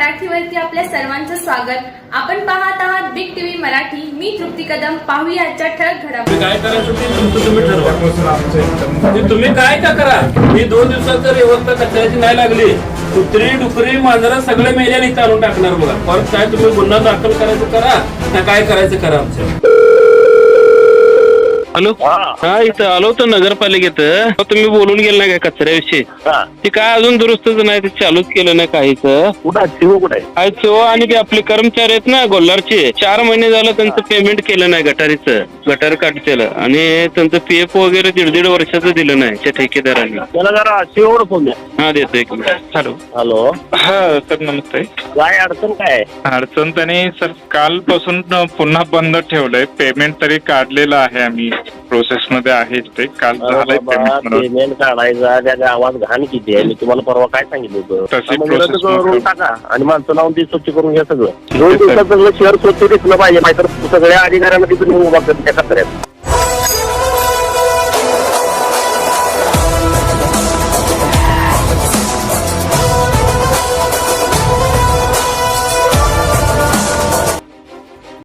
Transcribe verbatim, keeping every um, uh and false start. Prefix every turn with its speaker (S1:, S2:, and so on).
S1: मराठीवरती आपल्या सर्वांचं स्वागत. आपण पाहत आहात बिग टीव्ही मराठी. मी तृप्ती कदम. पाहूया आजच्या ठळक घडामोडी.
S2: काय करायचं ते तुमचं तुम्ही ठरवा. ते तुम्ही काय का करा. ही दोन दिवसात जर व्यवस्था कचऱ्याची नाही लागली, कुत्री डुकरी मांजरा सगळे मेल्याने चालून टाकणार बघा. परत काय तुम्ही गुन्हा दाखल करायचं करा ना, काय करायचं करा. आमचं हॅलो, हा इथं आलो होतो नगरपालिकेत. तुम्ही बोलून गेलं नाही काय कचऱ्याविषयी? ते काय अजून दुरुस्तच नाही, ते चालूच केलं नाही काहीच. कुठं आणि ते आपले कर्मचारी आहेत ना गोल्हारचे, चार महिने झालं त्यांचं पेमेंट केलं नाही गटारीचं, गटार काट केलं आणि त्यांचं पीएफ वगैरे दीड दीड वर्षाचं दिलं नाही त्या ठेकेदारांनी. हा देतो एक मिनिट. हॅलो
S3: हॅलो,
S4: हा सर नमस्ते.
S3: काय अडचण काय?
S4: अडचण त्याने सर कालपासून पुन्हा बंद ठेवलंय. पेमेंट तरी काढलेलं आहे, आम्ही प्रोसेस मध्ये आहे ते. काल झालंय पेमेंट.
S3: पेमेंट काढायचा त्या गावात घाण किती आहे, मी तुम्हाला परवा काय सांगितलं होतं.
S4: तशी
S3: म्हणजे
S4: प्रोसेस
S3: करून टाका आणि माणसं लावून ती स्वच्छ करून घ्या. सगळं दोन दिवसात सगळं शहर स्वच्छ दिसलं पाहिजे, नाहीतर सगळ्या अधिकाऱ्यांना तिथून उभा करत त्या कचऱ्यात.